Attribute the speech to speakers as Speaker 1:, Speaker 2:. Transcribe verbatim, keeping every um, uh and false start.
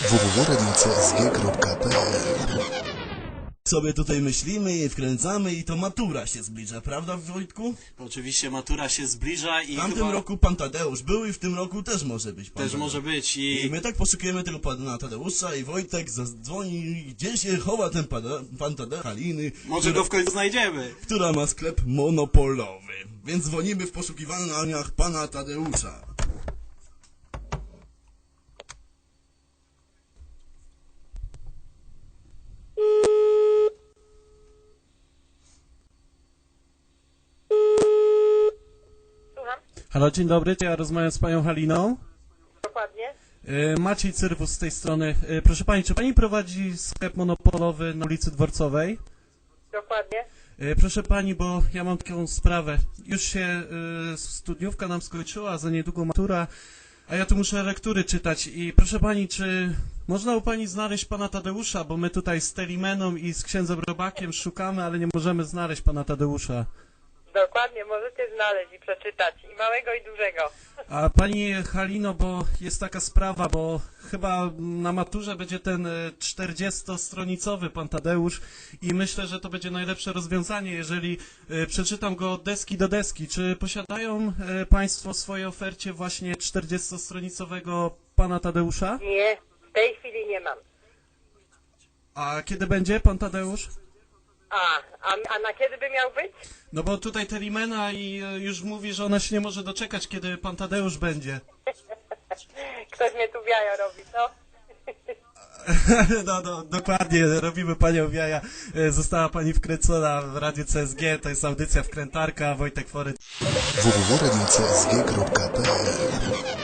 Speaker 1: w w w kropka radio c s g kropka p l.
Speaker 2: Sobie tutaj myślimy i wkręcamy i to matura się zbliża, prawda Wojtku?
Speaker 3: Oczywiście matura się zbliża i
Speaker 2: W tamtym
Speaker 3: chyba
Speaker 2: roku pan Tadeusz był i w tym roku też może być pan
Speaker 3: też
Speaker 2: Tadeusz.
Speaker 3: może być
Speaker 2: I
Speaker 3: i
Speaker 2: my tak poszukujemy tego pana Tadeusza i Wojtek zadzwoni, gdzie się chowa ten pan, pan Tadeusz Haliny,
Speaker 3: może
Speaker 2: która,
Speaker 3: go w końcu znajdziemy.
Speaker 2: która ma sklep monopolowy. Więc dzwonimy w poszukiwaniach pana Tadeusza.
Speaker 4: Słucham?
Speaker 5: Halo, dzień dobry, ja rozmawiam z panią Haliną.
Speaker 4: Dokładnie.
Speaker 5: E, Maciej Cyrwus z tej strony. E, Proszę pani, czy pani prowadzi sklep monopolowy na ulicy Dworcowej?
Speaker 4: Dokładnie.
Speaker 5: E, Proszę pani, bo ja mam taką sprawę. Już się e, studniówka nam skończyła, za niedługo matura, a ja tu muszę lektury czytać. I proszę pani, czy można u pani znaleźć pana Tadeusza, bo my tutaj z Telimeną i z księdzem Robakiem szukamy, ale nie możemy znaleźć pana Tadeusza.
Speaker 4: Dokładnie, możecie znaleźć i przeczytać. I małego, i dużego.
Speaker 5: A pani Halino, bo jest taka sprawa, bo chyba na maturze będzie ten czterdziestostronicowy pan Tadeusz i myślę, że to będzie najlepsze rozwiązanie, jeżeli e, przeczytam go od deski do deski. Czy posiadają e, państwo w swojej ofercie właśnie czterdziestostronicowego pana Tadeusza?
Speaker 4: Nie, w tej chwili nie mam.
Speaker 5: A kiedy będzie pan Tadeusz?
Speaker 4: A, a, a na kiedy by miał być?
Speaker 5: No bo tutaj Telimena i e, już mówi, że ona się nie może doczekać, kiedy pan Tadeusz będzie.
Speaker 4: Ktoś mnie tu w jaja robi, co?
Speaker 5: No, no, dokładnie, robimy panią w jaja. E, Została pani wkręcona w Radiu C S G, to jest audycja Wkrętarka, Wojtek Fory.
Speaker 1: w w w kropka radio c s g kropka p l.